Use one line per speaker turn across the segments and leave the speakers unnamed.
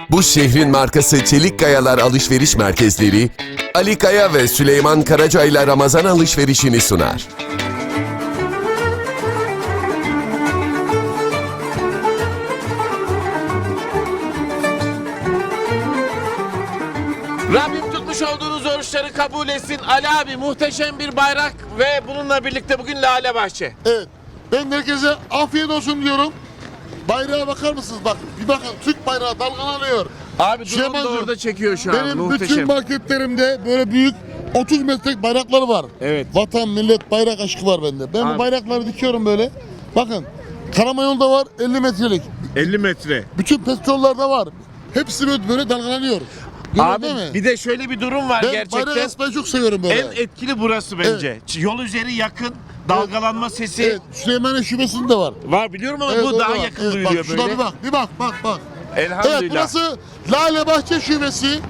Bu şehrin markası Çelik Kayalar Alışveriş Merkezleri, Ali Kaya ve Süleyman Karaca ile Ramazan alışverişini sunar.
Rabbim tutmuş olduğunuz oruçları kabul etsin. Ali abi, muhteşem bir bayrak ve bununla birlikte bugün Lale Bahçe.
Evet. Ben herkese afiyet olsun diyorum. Bayrağa bakar mısınız? Bak bir bakın, Türk bayrağı dalgalanıyor.
Abi drone da
Süleymancığım,
orada çekiyor şu an.
Benim bütün
Muhteşem.
marketlerimde böyle büyük 30 metrelik bayraklar var.
Evet.
Vatan, millet, bayrak aşkı var bende. Ben
Abi.
bu bayrakları dikiyorum böyle. Bakın, Karamayol'da var 50 metrelik.
50 metre.
Bütün petrollarda var. Hepsi böyle dalgalanıyor. Görüyor
Abi
değil mi?
bir de şöyle bir durum var
Ben bayrak
gerçekten.
asmayı çok seviyorum böyle.
En etkili burası bence. Yol üzeri yakın, dalgalanma sesi
Evet, Süleymaniye şubesinde de var.
var biliyorum ama
Evet,
bu
orada
daha
var.
yakın
Evet,
duyuluyor
bak, şuna
böyle.
bir bak, bak.
Elhamdülillah.
Evet, burası Lale Bahçe şubesi.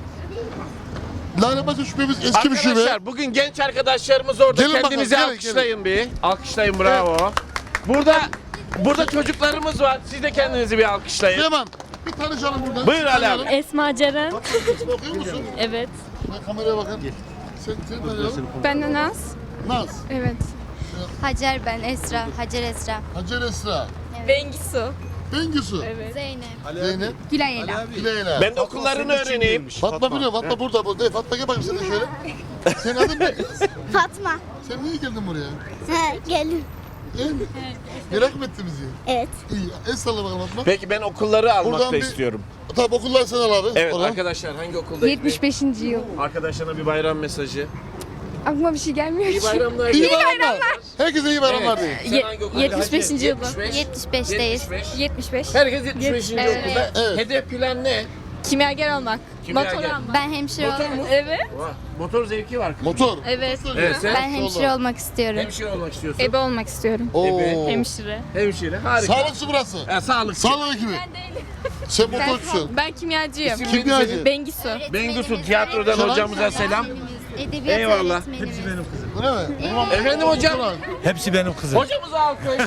Lale Bahçe şubemiz eski bir şube.
Arkadaşlar bugün genç arkadaşlarımız orada.
Gelin
Kendinizi
bakalım, gelin,
alkışlayın bir. Alkışlayın, bravo. Burada çocuklarımız var. Siz de kendinizi bir alkışlayın.
Süleyman, bir tanışalım burada.
Buyur Ali abi.
Esma Ceren.
İsmi okuyor musun?
Evet.
Ben kameraya bakın. Seni tanıyalım.
Ben de Naz.
Naz,
Evet.
Hacer ben Esra. Hacer Esra.
Hacer Esra,
Bengisu.
Bengisu,
Evet.
Zeynep.
Zeynep,
Gülay Ela.
Dileyla.
Ben de okullarını öğreneyim.
Fatma biliyor, Fatma burada. Fatma gel bakayım sen de şöyle. Senin adın ne?
Fatma.
Sen niye geldin buraya?
Gelin.
Merak mı ettin bizi?
Evet.
İyi, el salla bakalım Fatma.
Peki ben okulları almak
Buradan
da
bir-
istiyorum.
Tabii okullar sen al abi.
Evet
Oradan.
arkadaşlar, hangi okuldayız?
75. yıl.
Arkadaşlarına bir bayram mesajı.
Aklıma bir şey gelmiyor
İyi
ki.
bayramlar.
İyi bayramlar. Herkese iyi bayramlar
Evet.
deyin.
Sen hangi okuldasın?
75.
Hacı?
yılda.
75'teyiz.
75.
Herkes 75.
Evet.
okulda.
Evet.
Hedef plan ne?
Kimyager olmak.
Kimyager.
Motor almak.
Ben hemşire
Motor mu?
olmak.
Evet.
Vah, motor zevki var.
Motor.
Evet.
Evet, sen
Ben hemşire olmak istiyorum.
hemşire olmak istiyorsun.
Ebe olmak istiyorum.
Oo.
Hemşire.
Hemşire, harika.
Sağlıkçı burası.
Sağlık.
Sağlık ekibi. Sen motorcusun.
Ben kimyacıyım.
İsim
Kimyacı.
Bengisu.
Bengisu tiyatrodan
Selam.
hocamıza selam.
Edebiyat
Eyvallah.
öğretmenimiz.
Öyle mi? Tamam.
Efendim hocam.
Hepsi benim kızım.
Hocamıza alkış.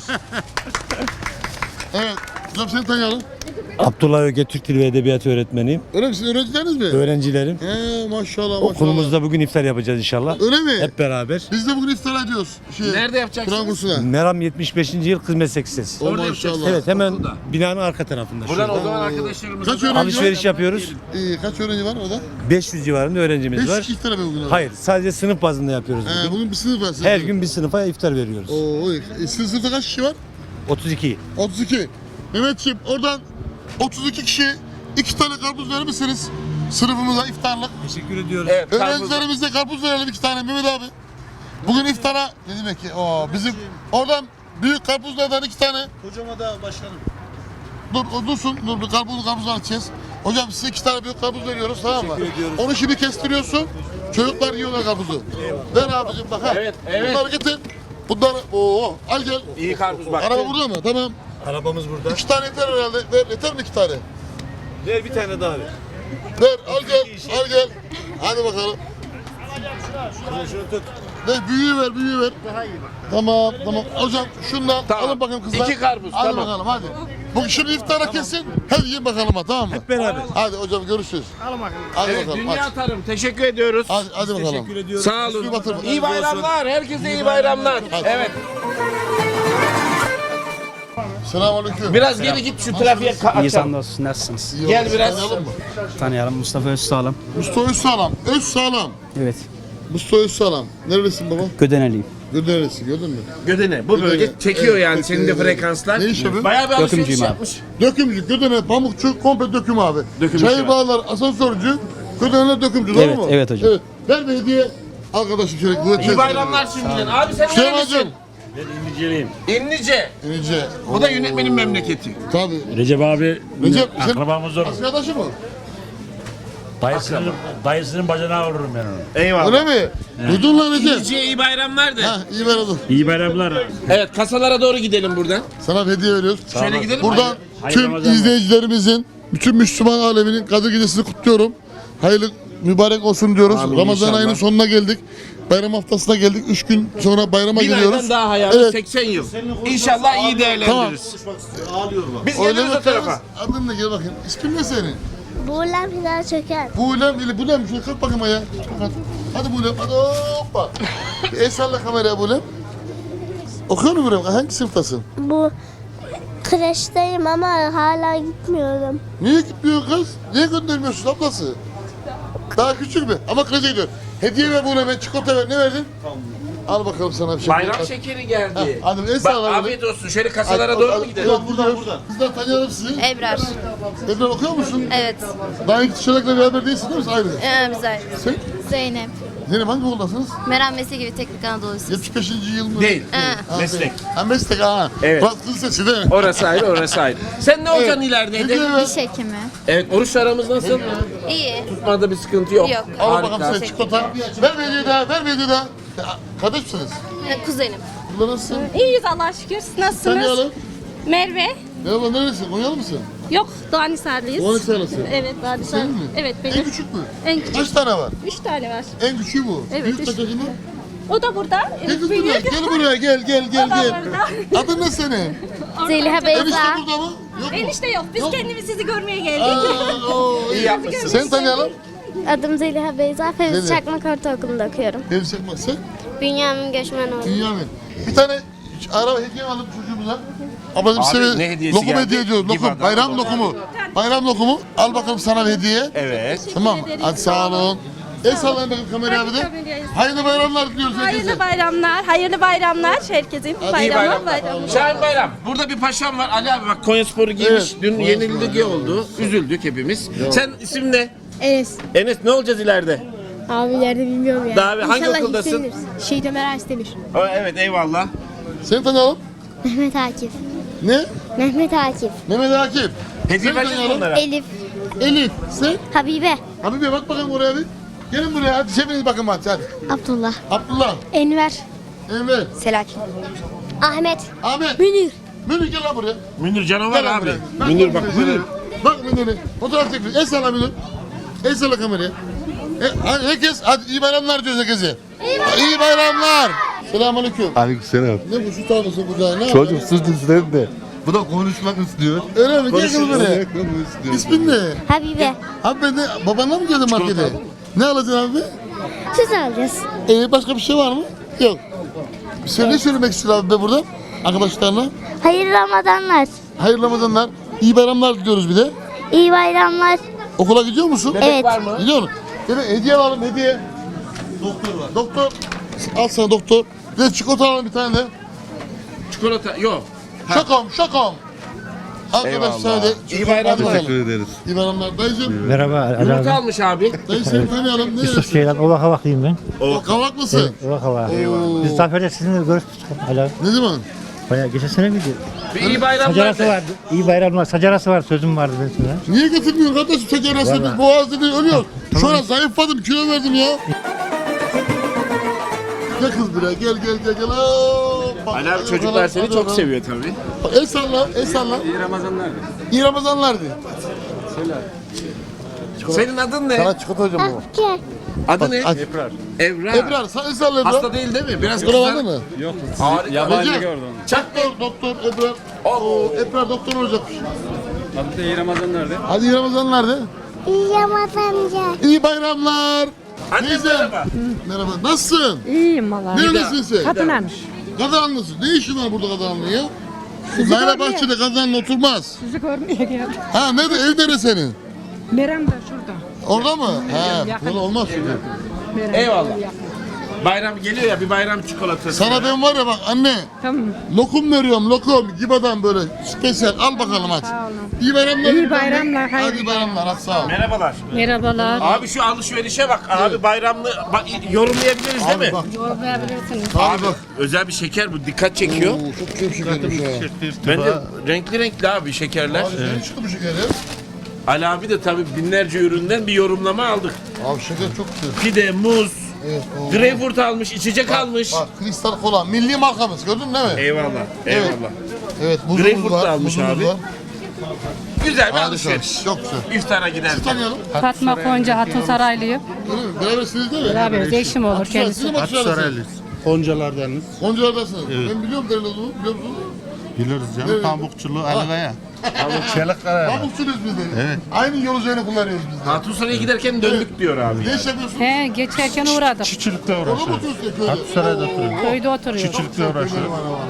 Evet. Hocam seni tanıyalım.
Abdullah Öge Türk Dili ve Edebiyatı öğretmeniyim.
Öyle misin? Öğrencileriniz mi?
Öğrencilerim.
Maşallah.
Okulumuzda bugün iftar yapacağız inşallah.
Öyle mi?
Hep beraber.
Biz de bugün iftar ediyoruz.
Nerede yapacaksınız?
Kur'an kursuna.
Meram 75. yıl Kız Meslek Lisesi.
O
Orada
maşallah.
yapacaksınız.
Evet, hemen
Okulda.
binanın arka tarafında.
Buradan
şurada.
o zaman arkadaşlarımıza
Kaç
da-
öğrenci
Alışveriş yapıyoruz.
Kaç öğrenci var orada?
500 civarında öğrencimiz
5
var.
iftara mı bugün? orada?
Hayır, sadece sınıf bazında yapıyoruz bugün.
Bugün bir sınıf var. sizin.
Her gün bir sınıfa iftar veriyoruz.
Oo, sizin sınıfta kaç kişi var?
32.
32. Mehmetciğim oradan 32 kişi 2 tane karpuz verir misiniz? Sınıfımıza iftarlık.
Teşekkür ediyoruz.
Evet, karpuz.
Öğrencilerimize karpuz verelim 2 tane Mehmet abi. Bugün iftara ne demek ki? Bizim oradan büyük karpuzlardan 2 tane.
Hocama da başkanım.
Dursun. Dur bir karpuzdan açacağız. Hocam size 2 tane büyük karpuz veriyoruz, tamam mı?
Teşekkür ediyoruz.
Onu şimdi kestiriyorsun. Çocuklar yiyorlar karpuzu. Ver abicim bak ha.
Evet, evet.
Bunları getir. Bunları al gel.
İyi karpuz bak.
Araba burada mı? Tamam.
Arabamız burada.
2 tane yeter herhalde. Ver, yeter mi 2 tane?
Ver bir tane daha ver.
Ver, al gel. Hadi bakalım.
Şunu tut.
Ver, büyüğü ver. Tamam. Hocam şundan
Tamam.
alın bakayım kızlar.
2 karpuz,
Hadi
tamam.
bakalım hadi. Bugün şimdi iftara kesin. Hadi yiyin bakalım ha, tamam mı?
Hep beraber.
Hadi hocam görüşürüz. Hadi
Evet,
bakalım.
dünya tarım. Teşekkür ediyoruz.
Hadi bakalım.
Teşekkür ediyoruz.
Sağ olun.
Üstünü batırma.
İyi bayramlar. Herkese iyi bayramlar. Evet.
Selamünaleyküm.
Biraz geri git şu trafiğe
İyi
açalım.
dostum, nasılsınız?
İyi
Gel
olsun.
biraz.
Tanıyalım mı?
Tanıyalım, Mustafa Özsağlam.
Mustafa Özsağlam. Özsağlam.
Evet,
Mustafa Özsağlam. Nerelisin baba?
Gödeneliyim.
Nerelisin, gördün mü?
Gödene. Bu bölge
Gödene.
çekiyor
Evet,
yani
çekiyor,
senin de
evet.
frekanslar.
Ne iş yapıyor?
Bayağı bir alışveriş
Dökümcüyüm abi.
yapmış.
Dökümcü, Gödene, Pamukçu, komple döküm abi.
Döküm
Çayır
işi.
Bağlar, asansörcü, Gödene'ler dökümcü,
Evet,
doğru mu?
evet hocam.
Evet. Ver bir hediye arkadaşım şöyle.
İyi bayramlar şimdiden. Abi sen
Süleyman'cığım.
nerelisin?
İndiceliyim.
İnnice.
İnce.
Bu da yönetmenin memleketi.
Tabii.
Recep abi
Recep, sen
akrabamız olur.
arkadaşı mı?
Dayısının bacanağı olurum ben onu.
Eyvallah.
Öyle mi? Duydun lan Recep.
İnnici'ye iyi bayramlar de.
Ha, iyi ver oğlum.
İyi bayramlar.
Evet, kasalara doğru gidelim buradan.
Sana bir hediye veriyoruz.
Şöyle gidelim mi?
Buradan
Hayırlı
tüm
Ramazanlar.
izleyicilerimizin, bütün Müslüman aleminin Kadir Gecesi'ni kutluyorum. Hayırlı mübarek olsun diyoruz.
Amin,
Ramazan
inşallah.
ayının sonuna geldik. Bayram haftasına geldik. 3 gün sonra bayrama
Bir
giriyoruz.
aydan daha hayali
Evet.
80 yıl. İnşallah iyi değerlendiririz. Biz
Öyle
geliyoruz o
bakarız.
tarafa.
Adın ne? Gel bakayım. İsmin ne senin?
Buğulan final çöker.
Buğulem, Buğulem. Şöyle kalk bakayım ayağa. Kalk. Hadi Buğulem, hadi hoppa. Bir el salla kameraya Buğulem. Okuyor musun Buğulem? Hangi sınıftasın?
Bu kreşteyim ama hala gitmiyorum.
Niye gitmiyorsun kız? Niye göndermiyorsun ablası? Daha küçük mü? Ama kreşe gidiyor. Hediye ver Buğulem'e, çikolata ver. Ne verdin? Al bakalım sana bir şey.
Bayram şekeri geldi.
Hadi el
Bak
salla.
afiyet olsun. Şöyle kasalara doğru mu gidelim?
Buradan. Bizden tanıyalım sizi.
Ebrar.
Ebrar okuyor musun?
Evet.
Daha ilk çocukla beraber değilsin değil mi? Ayrı.
Güzel.
Sen?
Zeynep.
Zeynep hangi okuldasınız?
Meram Mesleği gibi Teknik Anadolu'su.
75. yıl mı?
Değil.
Ha,
Meslek.
Ha meslek ha.
Evet.
Fransız lisesi değil mi?
Orası ayrı, orası ayrı. Sen ne olacaksın ileride?
Hediye
Hedef?
ver.
Diş hekimi.
Evet, oruç aramız nasıl?
İyi.
Tutmada bir sıkıntı yok.
Yok.
Al bakalım
Harika.
sen çikolata. Ver bir hediye daha, ver bir hediye daha. Kardeş misiniz?
Kuzenim.
Burada nasılsın?
İyiyiz Allah'a şükür. Siz nasılsınız?
Tanıyalım.
Merve.
Merhaba neresin? Konyalı mısın?
Yok, Doğanisarlıyız.
Doğanisarlısın.
Evet, Doğanisar.
Senin mi?
Evet,
En
benim.
küçük mü?
En küçük.
Kaç tane var?
3 tane var.
En küçüğü bu.
Evet,
Büyük
üç.
kaç yaşında?
O da burada.
Gel kız buraya,
Büyük.
gel buraya, gel.
O da burada.
Adın ne senin?
Zeliha
Enişte
Beyza.
burada mı? Yok mu?
Enişte yok. Biz
Yok.
kendimiz sizi görmeye geldik.
Aa, oo, iyi
yapmışsın.
Seni tanıyalım.
Adım Zeliha Beyza. Fevzi
Zeliha.
Çakmak Ortaokulu'nda okuyorum.
Benim Çakmak sen?
Bünyamin Göçmenoğlu.
Dünyamin. Bir tane araba hediye alıp çocuğumuza. Ablacığım
Abi,
size
ne hediyesi
lokum
geldi?
hediye ediyoruz.
Gibi
Lokum,
adam.
bayram lokumu. Bayram lokumu. Al bakalım sana bir hediye.
Evet.
Tamam. Hadi sağ olun. El sallayın bakın kameraya abi de.
Kameraya.
Hayırlı bayramlar diliyoruz herkese.
Hayırlı bayramlar. Hayırlı bayramlar herkesin.
İyi
Bayramlar.
bayramlar. Şahin Bayram. Burada bir paşam var. Ali abi bak Konyaspor'u giymiş.
Evet.
Dün yenildik oldu. Üzüldük hepimiz. Sen isim ne?
Enes.
Enes ne olacağız ileride?
Abi ileride bilmiyorum ya.
Daha abi, hangi
İnşallah
okuldasın?
yükselir. Şehit Ömer Arsdemir.
Evet eyvallah.
Seni tanıyalım.
Mehmet Akif.
Ne?
Mehmet Akif.
Mehmet Akif.
Hediye
Seni
vereceğiz
tanıyalım.
bunlara.
Elif.
Elif. Sen?
Habibe.
Habibe bak bakalım oraya bir. Gelin buraya hadi çevirin bakın hadi.
Abdullah.
Abdullah.
Enver.
Enver.
Selahattin. Ahmet.
Ahmet.
Münir.
Münir gel lan buraya.
Münir canavar
Gel lan
abi.
buraya.
Münir bak Münir.
Bak Münir'i. Fotoğraf çekiyor. El salla Münir. El salla kameraya. Hadi herkes hadi iyi bayramlar diyoruz herkese. İyi bayramlar. Selamünaleyküm.
Aleykümselam.
Ne bu şu tablası burada? Ne
Çocuk
yapıyorsun?
sus istedim de. Bu da konuşmak istiyor.
Öyle mi? Gel kız buraya.
Konuşmak istiyor.
İsmin ne?
Habibe.
Abi ben de babanla mı geldin markete? Ne alacaksın abi?
Süt alacağız.
Başka bir şey var mı? Yok. Sen ne söylemek istiyorsun abi be burada? Arkadaşlarına.
Hayırlı Ramazanlar.
Hayırlı Ramazanlar. İyi bayramlar diliyoruz bir de.
İyi bayramlar.
Okula gidiyor musun?
Evet.
Var mı?
Gidiyor musun? Evet, hediye alalım hediye. Doktor var. Doktor. Al sana doktor. Bir de çikolata alalım bir tane de.
Çikolata yok.
Şakom. Arkadaşlar de.
İyi bayramlar.
Teşekkür ederiz.
İyi bayramlar. Dayıcım.
Merhaba Ali
Yumurta
abi.
almış abi.
Dayı seni tanıyalım. Ne
Yusuf Ceylan Ovak Havaklıyım ben.
O kavak mısın?
Ovak Havak.
Oo.
Biz Zafer'de sizinle görüştük Ali abi.
Ne zaman?
Bayağı geçen sene miydi?
Bir iyi bayramlar
Sacarası
de.
vardı. İyi bayramlar. Sacarası var. Sözüm vardı ben sana.
Niye getirmiyorsun kardeşim şeker hastası? Biz boğazda değil ölüyoruz. Şu an zayıfladım kilo verdim ya. Gel kız buraya gel. Hoppa.
Ali abi çocuklar seni çok seviyor tabii.
El salla. İyi Ramazanlar. İyi Ramazanlar de.
Senin adın ne?
Sana çikolata hocam bu.
Gel.
Adı ne?
Aç.
Ebrar.
Ebrar sen el salla Ebrar.
Hasta değil değil mi? Biraz
Ebrar var
kızar.
mı?
Harika.
Recep. Doktor Ebrar. Ebrar doktor olacakmış.
Adı da iyi Ramazanlar de.
Hadi iyi Ramazanlar de.
İyi Ramazanlar.
İyi bayramlar.
Anne
Teyzem.
merhaba.
Merhaba. Nasılsın?
İyiyim valla.
Neredesin sen?
Kadınarmış.
Kazanlısın. Ne işin var burada Kazanlı'nın ya? Layla Bahçe'de Kazanlı oturmaz.
Sizi görmeye geldim.
Ha nerede? Ev nerede senin?
Meram da şurada.
Orada mı? He.
yakın.
Böyle olmaz çünkü.
Meram.
Eyvallah. Bayram geliyor ya bir bayram çikolatası.
Sana ben var ya bak anne.
Tamam.
Lokum veriyorum lokum. Gibadan böyle spesyal. Al bakalım aç.
Sağ olun.
İyi bayramlar.
İyi bayramlar,
Hadi
hayırlı
iyi bayramlar. Hadi sağ ol.
Merhabalar.
Merhabalar.
Abi şu alışverişe bak. Abi bayramlı yorumlayabiliriz değil mi?
Bak.
Yorumlayabilirsiniz.
Abi bak.
Özel bir şeker bu dikkat çekiyor.
Oo, çok çok şekermiş ha.
Bence renkli renkli abi şekerler.
Abi ne çıktı bu şeker ya?
Ali abi de tabii binlerce üründen bir yorumlama aldık.
Abi şeker çok güzel.
Pide, muz,
Evet. Oo.
greyfurt almış, içecek almış.
Bak kristal kola. Milli markamız gördün değil mi?
Eyvallah, eyvallah.
Evet buzumuz
Greyfurt da
var.
almış
Muzumuz
abi.
var.
Güzel bir
Harika.
alışveriş.
Çok güzel.
İftara gider.
Sizi tanıyalım.
Fatma Konca Hatun Saraylıyım.
Öyle mi? Berabersiniz değil mi?
Beraberiz. Eşim olur kendisi.
Siz mi Aksaray'lısınız?
Koncalardanız.
Gonca'lardasınız. Ben biliyorum nerede olduğunu biliyor musunuz?
Biliriz
Evet.
canım. Pamukçulu Ali Kaya. Çelik
Pamukçuyuz biz de. Aynı yol üzerine kullanıyoruz biz de.
Hatunsaray giderken döndük diyor abi.
Ne iş yapıyorsun?
He, geçerken uğradık.
Çiçilikte
Orada mı oturuyorsun köyde?
Hatusaray'da oturuyorum.
Köyde oturuyoruz.
Çiçilikte uğraşıyorum.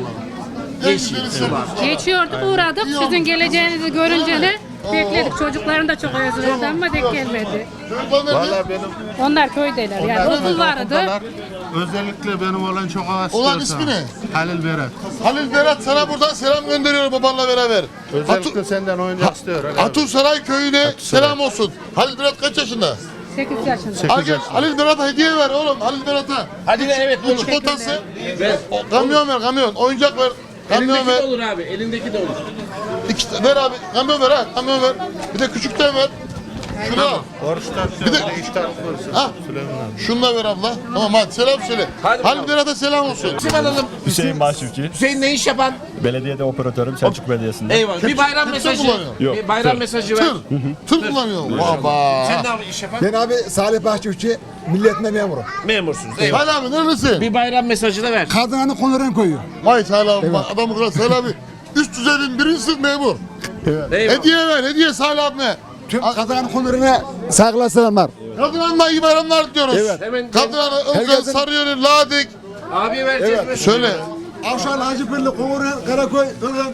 Geçiyorduk uğradık. Sizin geleceğinizi görünce de bekledik. Çocukların da çok özledi ama denk gelmedi.
Valla
benim
Onlar köydeler yani okul vardı.
özellikle benim olan çok hasta.
Olan ismi ne?
Halil Berat.
Halil Berat sana buradan selam gönderiyor babanla beraber.
Özellikle senden oyuncak istiyor.
Hatunsaray köyüne selam olsun. Halil Berat kaç yaşında?
8 yaşında.
Al gel, Halil Berat'a hediye ver oğlum. Halil Berat'a.
Hadi evet
Bu
olur.
çikolatası.
Ver.
Kamyon ver kamyon. Oyuncak ver. Kamyon
Elindeki de
ver.
olur abi. Elindeki de olur.
Ver abi. Kamyon ver ha. Kamyon ver. Bir de küçükten ver. Şunu al.
Oruçtan
Bir de-
sonra iştah korusun.
Ha. Şunu da ver abla. Tamam hadi selam söyle.
Hadi
Halil
bakalım.
Berat'a selam olsun.
İsim alalım.
Hüseyin Başçıvçı.
Hüseyin ne iş yapan?
Belediyede operatörüm Selçuk Belediyesi'nde.
Eyvallah. Bir bayram
Tır
mesajı.
kullanıyor.
Yok,
Bir bayram
tır.
mesajı ver.
Tır kullanıyor. Baba.
Sen ne abi iş yapan?
Ben abi Salih Bahçıvçı, milletine memuru.
Memursunuz. Eyvallah.
Hadi abi neredesin?
Bir bayram mesajı da ver.
Kadınanı konularını koyuyor.
Vay Salih abi. Adamı kadar Salih abi. Üst düzeyden birinci sınıf memur.
Eyvallah.
Hediye ver. Hediye Salih abime.
Tüm kadınanın konularına saygılar selamlar.
Kadın Hanım'a iyi bayramlar diyoruz.
Evet.
Hemen
Kadın Hanım, Ilgaz,
Herkesin-
Sarıyer'in, Ladik.
abiye vereceğiz mesajı.
Söyle.
Avşar, Hacıpırlı, Kumuru, Karakoy, Kılgın.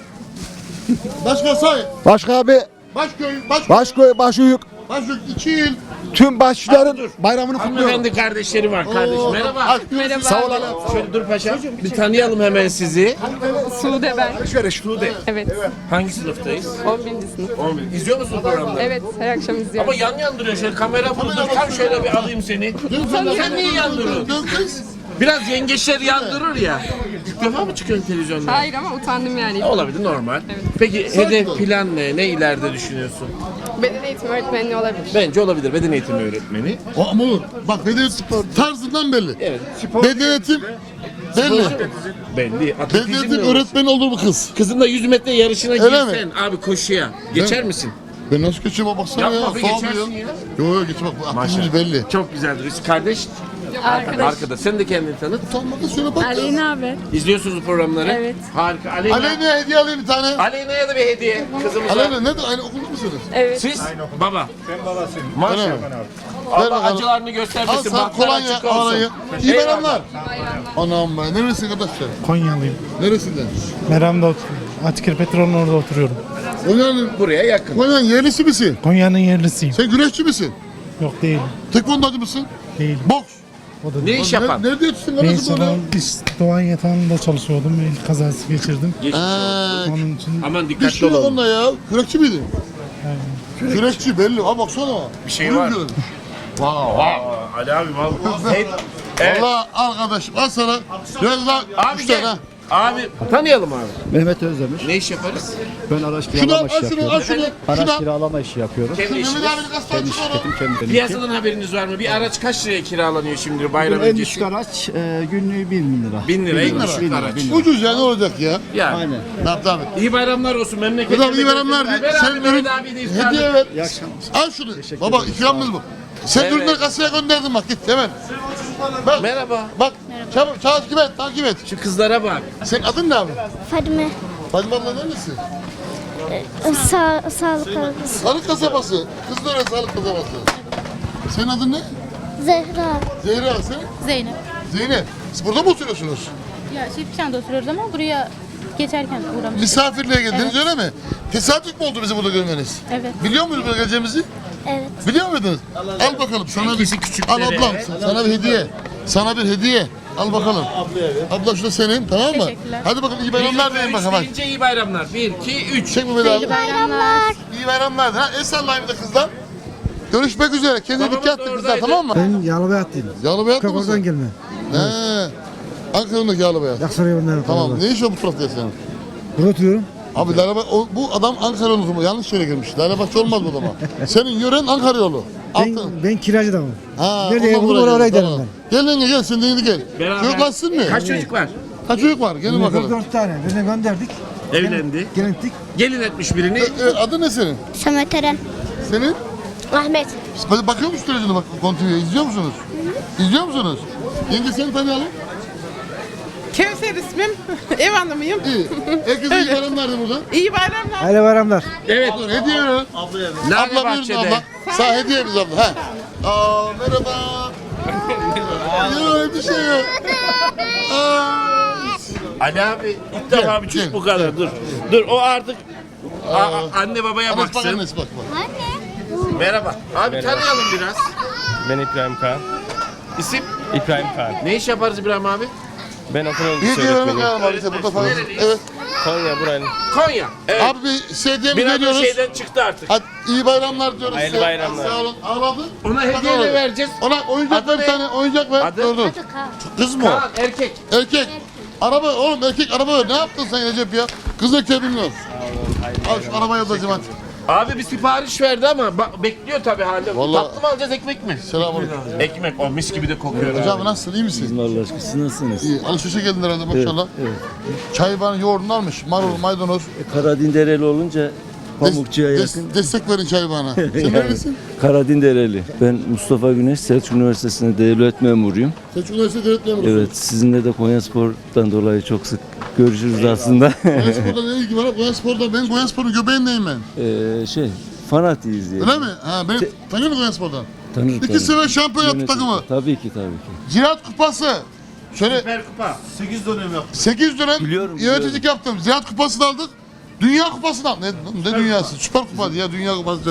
Başka say.
Başka abi,
Başköy,
Başkoy, Başuyuk,
Başköy 2 il.
tüm başçıların bayramını kutluyorum.
Hanımefendi kardeşleri var kardeşim. Merhaba.
Merhaba.
Sağ ol abi.
Şöyle dur paşam. Bir tanıyalım hemen sizi.
Sude ben.
Sude.
Evet.
Hangi sınıftayız?
11. sınıf.
11. İzliyor musun programları?
Evet, her akşam izliyorum.
Ama yan yan duruyor şöyle kamera burada. Tam şöyle bir alayım seni. Sen niye yan duruyorsun?
Dön kız.
Biraz yengeçler yandırır ya. İlk defa mı çıkıyorsun televizyonda?
Hayır ama utandım yani.
Olabilir normal. Peki hedef plan ne? Ne ileride düşünüyorsun?
Beden eğitimi öğretmenliği olabilir.
Bence olabilir beden eğitimi öğretmeni.
O ama olur. Bak beden tarzından belli.
Evet.
Beden eğitim belli.
Belli.
Beden
Atletizm
eğitim
mi olur?
öğretmeni olur bu kız.
Kızınla 100 metre yarışına
Öyle mi?
girsen abi koşuya. Geçer misin?
Ben nasıl geçeyim baksana
Yapma
ya.
be,
Sağ
geçersin
oluyor.
ya.
Yok yok geçme bak bu atletizm belli.
Çok güzeldir. Biz kardeş. Arkada. Sen de kendini tanıt.
Utanma kız şöyle bak.
Aleyna abi.
İzliyorsunuz bu programları.
Evet.
Harika. Aleyna.
Aleyna'ya hediye alayım bir tane.
Aleyna'ya da bir hediye kızımıza.
Aleyna ne de aynı okulda mısınız?
Evet.
Siz? Baba.
Ben babasıyım.
Maşallah.
Ver
Allah
bakalım.
acılarını
Al
göstermesin.
sana
Bahtlar
kolonya
açık olsun.
alayım. İyi
Eyvallah.
bayramlar. Anam be. Neresi arkadaşlar?
Konyalıyım.
Neresinden?
Meram'da oturuyorum. Atikir Petrol'ün orada oturuyorum.
Konya'nın
Buraya yakın.
Konya'nın yerlisi misin?
Konya'nın yerlisiyim.
Sen güreşçi misin?
Yok değil.
Tekvondacı mısın?
Değil.
Boks.
O da
Ne
değil.
iş yapan?
Nerede yetiştin
Neyse
kardeşim
ben Doğan Yatağı'nda çalışıyordum. El kazası geçirdim.
burada?
Onun için
Aman
Bir
dikkatli
şey yok
olalım.
onda ya. Kürekçi miydin? Kürekçi belli. Ha baksana.
Bir şey var. Ali abi vallahi.
Valla arkadaşım al sana. Biraz daha
Abi
3 tane
gel.
ha.
Abi tanıyalım abi.
Mehmet Özdemir.
Ne iş yaparız?
Ben araç
Şunu al,
kiralama
al
işi
şunu,
yapıyorum.
al şunu. Şunu
Araç
al.
kiralama işi yapıyorum.
Kendi
Mehmet
işiniz.
abinin kastan çık onu.
Kendim
Piyasadan haberiniz var mı? Bir araç kaç liraya kiralanıyor şimdi bayram
En
öncesi?
düşük araç günlüğü 1000 lira.
1000 lira en
1000
düşük
lira.
araç.
Ucuz ya ne olacak ya?
Yani.
Aynen.
Tamam.
İyi bayramlar olsun memleketine.
Kızım iyi bayramlar.
Ver
Sen
abi
ürün
Mehmet abi de iftarlık.
hediye ver.
İyi akşamlar.
Al şunu. Baba ikramımız bu. Sen
Evet.
ürünleri kasaya gönderdin bak git hemen. Bak.
Merhaba.
Bak. Çabuk takip et takip et.
Şu kızlara bak.
Senin adın ne abi?
Fadime.
Fadime abla neredesin?
Sağlık algısı.
Sağlık kasabası. Kızlara sağlık kasabası. Senin adın ne?
Zehra.
Zehra sen?
Zeynep.
Zeynep. Siz burada mı oturuyorsunuz?
Ya Şefçen'de oturuyoruz ama buraya geçerken uğramıştık.
Misafirliğe geldiniz öyle mi? Tesadüf mü oldu bizi burada görmeniz?
Evet.
Biliyor muydunuz buraya geleceğimizi?
Evet.
Biliyor muydunuz? Al bakalım sana bir
Herkesi küçüklere.
Al ablam sana bir hediye. Sana bir hediye. Al bakalım. Abla şu da senin tamam mı?
Teşekkürler.
Hadi bakalım iyi bayramlar deyin bakalım. hadi.
Deyince iyi bayramlar. 1, 2, 3.
Çek Mehmet abi.
Bayramlar.
İyi bayramlar. Ha, el sallayın bir de kızlar. Görüşmek üzere. Kendine
Babamız
dikkat
da
et kızlar
oradaydı.
tamam mı?
Ben Yalıbayatlıyım.
Yalıbayatlı
Oradan
mısın?
gelme.
He. Ankara'daki Yalıbayat.
Yaksaray'a bunları
Tamam. Ne iş o bu tarafta senin?
Burada oturuyorum.
Abi bu adam Ankara yolu mu? Yanlış yere girmiş. Lalebahçe olmaz bu adama. Senin yören Ankara yolu. Altın.
Ben kiracı adamım.
Ha,
Nerede
ondan
ev bulur,
buraya
oraya
gelin,
giderim
Gel yenge gel sen de yeni gel.
Beraber.
Çocuklar sizin mi?
Kaç çocuk var?
Kaç çocuk var? Gelin bakalım.
4 tane. Birine gönderdik.
Evlendi.
Gelendik.
Gelin etmiş birini.
Evet, adı ne senin?
Samet Eren.
Senin?
Ahmet.
Bakıyor musun televizyona bak kontinuya izliyor musunuz? İzliyor musunuz? Yenge seni tanıyalım.
Kevser ismim. Ev hanımıyım.
İyi. Herkese iyi bayramlar de burada.
İyi bayramlar.
Hayırlı bayramlar.
Evet.
Dur hediye verin.
Lale
Abla buyurun
Bahçe'de.
abla. Sağ hediye biz abla. Ha. Aa merhaba. Yok bir şey yok.
Ali abi ilk defa bir
gel,
çocuk bu kadar. Dur. Dur o artık anne babaya
Annesi bak
baksın.
annesi bak.
Merhaba. Abi tanıyalım biraz.
Ben İbrahim Kağan.
İsim?
İbrahim Kağan.
Ne iş yaparız İbrahim abi?
Ben okul
İyi diye vermek lazım abi işte burada falan.
Nereliyiz?
Evet.
Konya buranın.
Konya. Evet.
Abi bir şey diyemiz
Biraz da
veriyoruz.
şeyden çıktı artık.
Hadi iyi bayramlar diyoruz
Hayırlı
size.
bayramlar.
Sağ olun. Ağladı.
Ona hediye de vereceğiz.
Ona oyuncak
Adı
ver bir
ne?
tane. Oyuncak ver.
Adı?
Dur dur. Kız mı o?
Kaan erkek.
Erkek. Araba oğlum erkek araba ver. Ne yaptın sen Recep ya? Kız erkeği bilmiyorum. Al şu arabayı ablacığım hadi.
Abi bir sipariş verdi ama bekliyor tabii hala.
Vallahi-
Tatlı mı alacağız ekmek mi?
Selamünaleyküm.
Ekmek o mis gibi de kokuyor.
Hocam nasılsın? İyi misin?
Allah aşkına siz nasılsınız?
İyi. Alışverişe geldin herhalde maşallah. Çay bana yoğurdunu almış. Marul, maydanoz.
Karadindereli olunca Pamukçu'ya yakın.
Destek verin çay bana. Sen neredesin?
Karadindereli. Ben Mustafa Güneş, Selçuk Üniversitesi'nde devlet memuruyum.
Selçuk Üniversitesi Devlet Memuru.
Evet, sizinle de Konyaspor'dan dolayı çok sık görüşürüz aslında.
Konyaspor'da ne ilgi var? Konyaspor'da ben Konyaspor'un göbeğindeyim ben.
Fanatiyiz diye.
Öyle mi? Ha ben tanıyor musun Konyaspor'dan?
Tanır,
İki sefer şampiyon yaptı takımı.
Tabii ki.
Ziraat Kupası. Şöyle
Süper kupa.
8 dönem
Biliyorum,
yöneticilik yaptım. Ziraat Kupası'nı aldık. Dünya Kupası'nı aldık. Ne dünyası? Süper Kupa ya Dünya Kupası.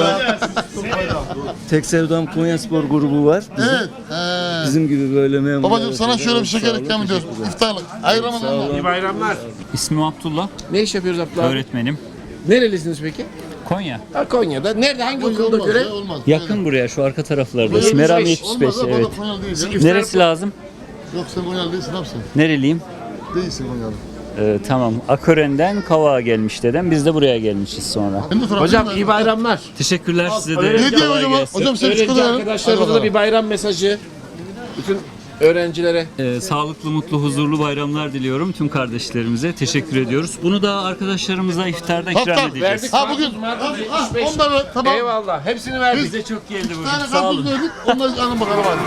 Tek Sevdam Konyaspor grubu var.
Evet.
Bizim gibi böyle memur.
Babacığım sana şöyle bir şeker ikram ediyoruz. İftarlık. Hayır Ramazanlar.
İyi bayramlar.
İsmim Abdullah,
Ne iş yapıyoruz Abdullah abi?
öğretmenim.
Nerelisiniz peki?
Konya.
Ha, Konya'da. Nerede? Hangi okulda
Olmaz
göre?
ya, olmaz.
Yakın buraya, şu arka taraflarda.
Böyle
Meram
75,
75,
Olmaz ya,
evet.
bana Konyalı değil ya.
İftar-
Neresi lazım?
Yok sen Konyalı değilsin ne yapsın?
Nereliyim?
Değilsin Konyalı.
Tamam. Akören'den Kavak'a gelmiş dedem. Biz de buraya gelmişiz sonra.
Ben de sorabilir
Hocam
miyim?
iyi bayramlar.
Teşekkürler size de.
öğrenci-
Hediye
Kolay
hocam.
gelsin.
Hocam sen
Öğrenci
çikolata verin.
arkadaşlarımıza da bir bayram mesajı. Bütün öğrencilere.
Sağlıklı, mutlu, huzurlu bayramlar diliyorum tüm kardeşlerimize. Teşekkür ediyoruz. Bunu da arkadaşlarımıza iftarda ikram
Hafta
edeceğiz.
Verdik.
Ha bugün.
Cumartesi,
Ha,
75.
onu da ver. Tamam.
Eyvallah. Hepsini verdik.
Bize çok geldi
Bir
bugün.
tane
Sağ olun.
karpuz verdik. Onları alın bakalım hadi.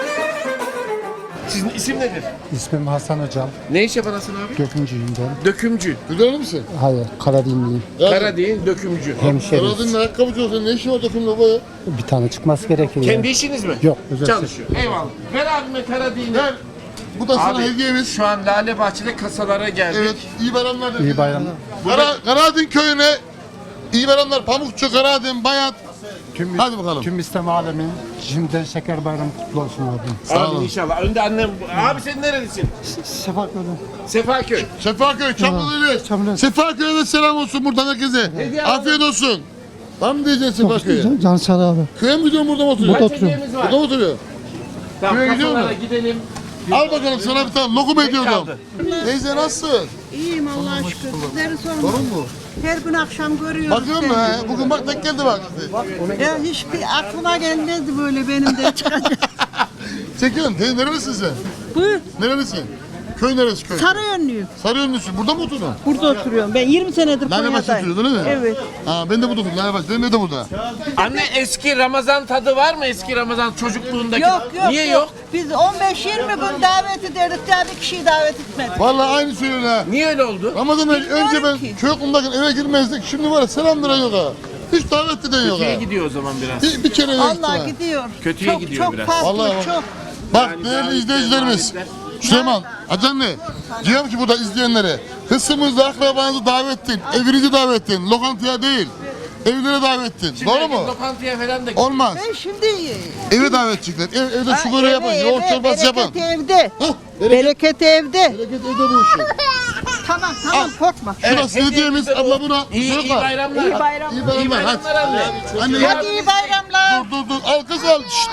Sizin isim nedir?
İsmim Hasan Hocam.
Ne iş yapan Hasan abi?
Dökümcüyüm ben.
Dökümcü.
Güzel misin?
Hayır, Karadinliyim.
Kara değil, dökümcü.
Hemşeriyiz.
Karadın'ın ayakkabıcı olsa ne işin var takımda bu ya?
Bir tane çıkması gerekiyor.
Kendi işiniz mi?
Yok, özel
Çalışıyor. Eyvallah. Ver abime kara değil.
Ver. Bu da sana
Abi
hediyemiz.
şu an Lale Bahçe'de kasalara geldik.
Evet. İyi bayramlar.
İyi bayramlar.
Karadın köyüne iyi bayramlar. Pamukçu, Karadın, Bayat. Hadi bakalım.
Tüm İslam alemin şimdiden şeker bayramı kutlu olsun abi.
Sağ
Abi
olun.
inşallah. Önde annem. Abi sen nerelisin?
Sefaköy.
Sefaköy.
Sefaköy, Çamlıdere.
Çamlıdere.
Sefaköy'e de selam olsun buradan herkese. Afiyet olsun. Var mı diyeceksin Sefaköy'e?
Can Sağ abi.
Köye mi gidiyorsun burada mı oturuyorsun?
Kaç hediyemiz var?
Burada mı oturuyor?
Tamam
Köye gidiyor
kasalara
mu?
gidelim.
Al bakalım sana bir tane lokum ediyordum.
kaldı?
Teyze nasılsın?
İyiyim Allah'a şükür. Sizleri sorun.
Sorun mu?
Her gün akşam görüyoruz.
Bakıyorum mu he? Bugün bak denk geldi bak.
Ya hiçbir aklıma gelmezdi böyle benim de çıkacak.
Çekiyorum. Teyze nerelisin sen?
Buyur.
Nerelisin? Köy neresi köy?
Sarıyönlüyüm.
Sarıyönlüsün. Burada mı oturdun?
Burada oturuyorum. Ben 20 senedir
Lale Baş'ta
Konya'dayım.
oturuyordun değil mi?
Evet.
Ha ben de burada oturdum. Lale Baş'ta. Ben de burada.
Anne eski Ramazan tadı var mı? Eski Ramazan çocukluğundaki.
Yok yok.
Niye yok?
Biz 15-20 gün davet ederdik. Daha bir kişiyi davet etmedik.
Vallahi aynı söylüyorsun ha.
Niye öyle oldu?
Ramazan'dan önce ben
ki.
çocukluğumdayken eve girmezdik. Şimdi var ya selam veren yok ha. Hiç davet eden yok
Kötüye
ha.
gidiyor o zaman biraz.
Bir kere yok
Allah
ha.
gidiyor.
Kötüye
çok,
gidiyor
çok
biraz.
Farklı,
Vallahi
çok.
Bak
Yani
değerli
davetler,
izleyicilerimiz.
davetler.
Süleyman, Hacı ne? Diyorum ki burada izleyenlere. Hısımızda akrabanızı davet edin. Evinizi davet edin. Lokantaya değil. Evlere davet edin.
Şimdi
Doğru
herkes
mu?
Lokantaya falan da
Olmaz.
Ben şimdi...
Eve davet edecekler. Evde şu böreği yapın. Yoğurt çorbası yapın.
Bereket evde.
Hah,
Bereket evde.
Bereket evde bu işi.
Tamam korkma.
Şurası hediyemiz.
hediyemiz de
Abla
bu.
buna.
İyi bayramlar.
İyi bayram.
İyi bayramlar. Hadi.
anne.
Anne
Hadi iyi bayramlar.
dur. Al kız al. Şşt.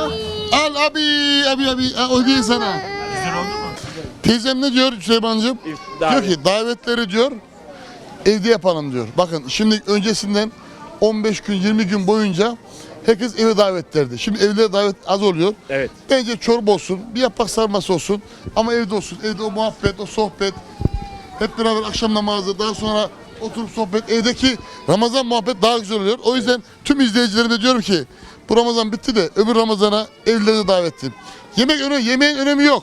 Al abi. O değil sana. Teyzem ne diyor Süleyman'cığım? Diyor ki davetleri diyor evde yapalım diyor. Bakın şimdi öncesinden 15 gün 20 gün boyunca herkes eve davet derdi. Şimdi evlere davet az oluyor.
Evet.
Bence çorba olsun, bir yaprak sarması olsun ama evde olsun. Evde o muhabbet, o sohbet, hep beraber akşam namazı, daha sonra oturup sohbet, evdeki Ramazan muhabbet daha güzel oluyor. O yüzden tüm izleyicilerime diyorum ki bu Ramazan bitti de öbür Ramazan'a evlerine davet edin. Yemeğin önemi yok.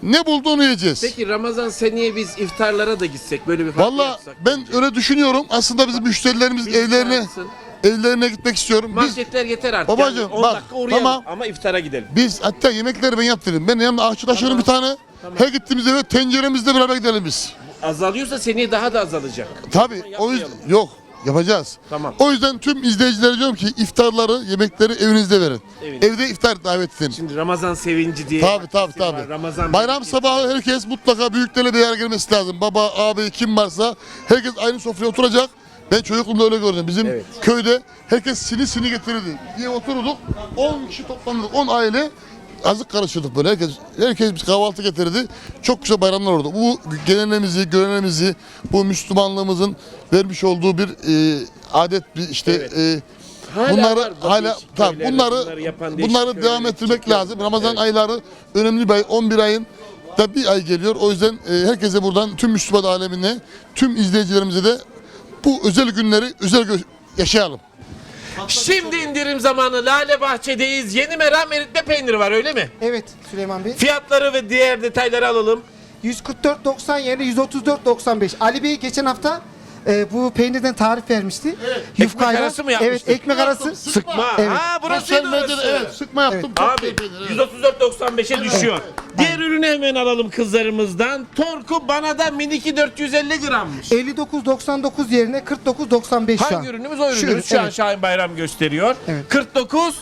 Ne buldu onu yiyeceğiz.
Peki Ramazan seneye biz iftarlara da gitsek böyle bir farklı
Valla
yapsak
ben
bence.
öyle düşünüyorum. Aslında bizim müşterilerimiz
Biz
evlerine
çağırsın.
evlerine gitmek istiyorum.
Marketler yeter artık.
Babacığım,
yani 10
bak,
dakika uğrayalım
tamam.
ama iftara gidelim.
Biz hatta yemekleri ben yaptırdım. Ben yanımda aşçı taşıyorum bir tane. Her gittiğimiz eve tenceremizle beraber gidelim biz.
Azalıyorsa seneye daha da azalacak.
Tabii o yüzden yok yapacağız.
Tamam.
O yüzden tüm izleyicilere diyorum ki iftarları, yemekleri evinizde verin.
Evinizde.
Evde iftar davet edin.
Şimdi Ramazan sevinci diye.
Tabii.
var. Ramazan
Bayram sabahı herkes mutlaka büyüklerle bir araya gelmesi lazım. Baba, abi kim varsa herkes aynı sofraya oturacak. Ben çocukluğumda öyle gördüm. Bizim
Evet.
köyde herkes sini getirirdi. Diye oturduk. 10 kişi toplanırdık. 10 aile azık karışırdık böyle. Herkes bir kahvaltı getirirdi. Çok güzel bayramlar oldu. Bu geleneğimizi, göreneğimizi, bu Müslümanlığımızın vermiş olduğu bir adet bir işte
Evet. Hala
bunları
var bu
hala
değişik
tabii
köylerde,
bunları
yapan değişik
bunları devam
köyleri
ettirmek
çıkıyor.
lazım. Ramazan
Evet.
ayları önemli bir ay. 11 ayın da bir ay geliyor. O yüzden herkese buradan tüm Müslüman alemine, tüm izleyicilerimize de bu özel günleri yaşayalım.
Şimdi indirim zamanı. Lale Bahçe'deyiz. Yeni meram eritme peyniri var öyle mi?
Evet Süleyman Bey.
Fiyatları ve diğer detayları alalım.
144.90 yerine 134.95. Ali Bey geçen hafta bu peynirden tarif vermişti.
Ekmek arası mı yapmıştık?
Evet, ekmek arası.
Sıkma.
Evet.
Ha burası
Sosyal medyada evet sıkma yaptım. Çok
Abi
iyi peynir, evet.
134.95'e düşüyor. Diğer ürünü hemen alalım kızlarımızdan. Torku bana da miniki 450 grammış.
59.99 yerine 49.95 şu an.
Hangi ürünümüz o
Şu
ürünümüz?
ürün,
Şu an
evet.
Şahin Bayram gösteriyor.
Evet.
49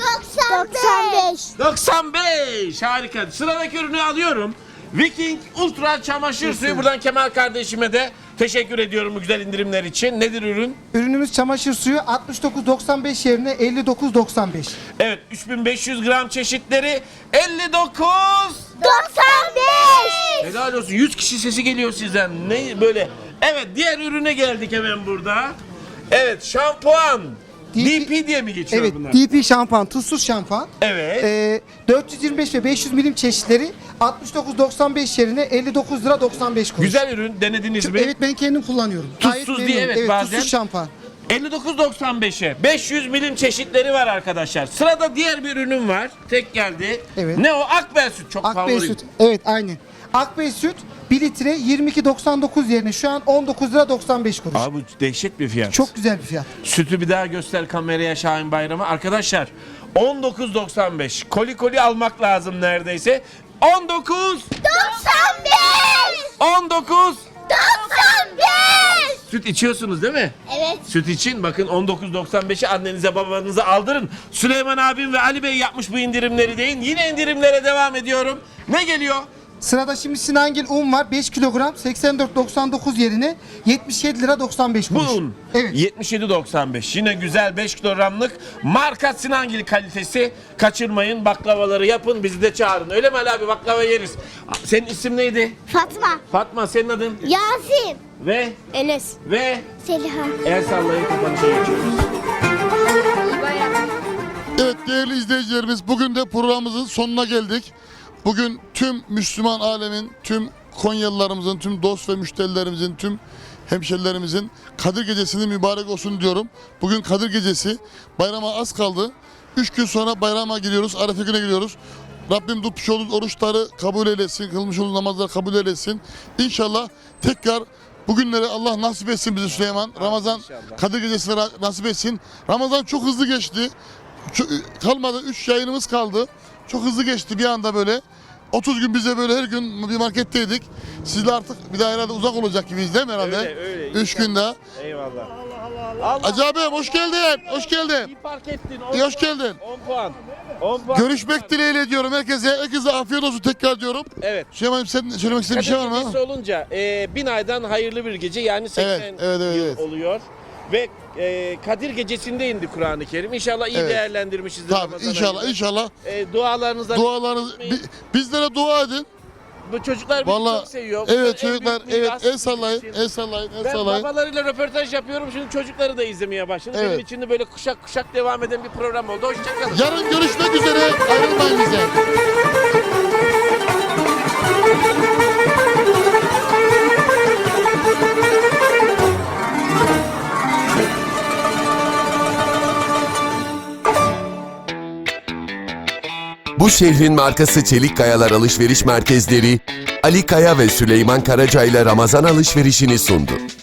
95.
95 harika. Sıradaki ürünü alıyorum. Viking Ultra çamaşır suyu. Buradan Kemal kardeşime de teşekkür ediyorum bu güzel indirimler için. Nedir ürün?
Ürünümüz çamaşır suyu 69.95 yerine 59.95.
Evet 3500 gram çeşitleri 59.
95.
Helal olsun 100 kişi sesi geliyor sizden. Ne böyle? Evet diğer ürüne geldik hemen burada. Evet şampuan. DP diye mi geçiyor
Evet,
bunlar?
DP şampuan, tuzsuz şampuan.
Evet.
425 ve 500 milim çeşitleri 69.95 yerine 59 lira 95 kuruş.
Güzel ürün denediniz mi?
Evet ben kendim kullanıyorum.
Tuzsuz
Gayet
diye,
memnunum.
evet, bazen-
Tuzsuz şampuan.
59.95'e 500 milim çeşitleri var arkadaşlar. Sırada diğer bir ürün var. Tek geldi.
Evet.
Ne o? Akbel süt. Çok
Akbey
favorim.
süt. Evet aynen. Akbey süt 1 litre 22.99 yerine şu an 19 lira 95 kuruş.
Abi bu dehşet bir fiyat.
Çok güzel bir fiyat.
Sütü bir daha göster kameraya Şahin Bayram'a. Arkadaşlar 19.95. Koli almak lazım neredeyse. 19
95.
19
95.
Süt içiyorsunuz değil mi?
Evet.
Süt için bakın 19.95'i annenize babanıza aldırın. Süleyman abim ve Ali Bey yapmış bu indirimleri deyin. Yine indirimlere devam ediyorum. Ne geliyor?
Sırada şimdi Sinangil un var 5 kilogram 84.99 yerine 77 lira 95
Bu
kuruş.
un.
Evet.
77.95. Yine güzel 5 kilogramlık marka Sinangil kalitesi. Kaçırmayın, baklavaları yapın, bizi de çağırın. Öyle mi Ali abi, baklava yeriz. Senin isim neydi?
Fatma.
Fatma, senin adın?
Yasin.
Ve
Enes. Seliha.
el sallayın, kapanışa geçiyoruz.
Evet değerli izleyicilerimiz bugün de programımızın sonuna geldik. Bugün tüm Müslüman alemin, tüm Konyalılarımızın, tüm dost ve müşterilerimizin, tüm hemşerilerimizin Kadir Gecesi'nin mübarek olsun diyorum. Bugün Kadir Gecesi, bayrama az kaldı. 3 gün sonra bayrama giriyoruz, Arefe güne giriyoruz. Rabbim tutmuş olduğumuz oruçları kabul eylesin, kılmış olduğumuz namazları kabul eylesin. İnşallah tekrar bugünleri Allah nasip etsin bize Süleyman. Ramazan Kadir Gecesi'ne nasip etsin. Ramazan çok hızlı geçti. Kalmadı, 3 yayınımız kaldı. Çok hızlı geçti bir anda böyle. 30 gün bize böyle her gün bir marketteydik. Sizle artık bir daha herhalde uzak olacak gibiyiz değil mi herhalde?
Öyle.
3 gün daha.
Eyvallah.
Acaba hoş geldin. Hoş geldin.
İyi fark ettin.
Hoş geldin.
10 puan. 10 puan.
Görüşmek dileğiyle diyorum herkese. Herkese afiyet olsun tekrar diyorum.
Evet.
Süleyman'ım sen söylemek istediğin bir şey var mı?
Kadir Gecesi olunca 1000 aydan hayırlı bir gece yani 80
Evet,
yıl
evet.
oluyor. Ve Kadir Gecesi'nde indi Kur'an-ı Kerim. İnşallah iyi
Evet.
değerlendirmişizdir.
Tabii
Ramazan
inşallah
ayını.
inşallah.
Dualarınızla
Dualarınız bizlere dua edin.
bu çocuklar bizi
Vallahi
çok seviyor. Bunlar en
evet çocuklar
büyük miras
evet el sallayın
bizim için.
el sallayın el
Ben
sallayın.
babalarıyla röportaj yapıyorum. Şimdi çocukları da izlemeye başladı.
Evet.
Benim için de böyle kuşak kuşak devam eden bir program oldu. Hoşçakalın.
Yarın görüşmek üzere. Ayrılmayın bize.
Bu şehrin markası Çelik Kayalar Alışveriş Merkezleri, Ali Kaya ve Süleyman Karaca ile Ramazan alışverişini sundu.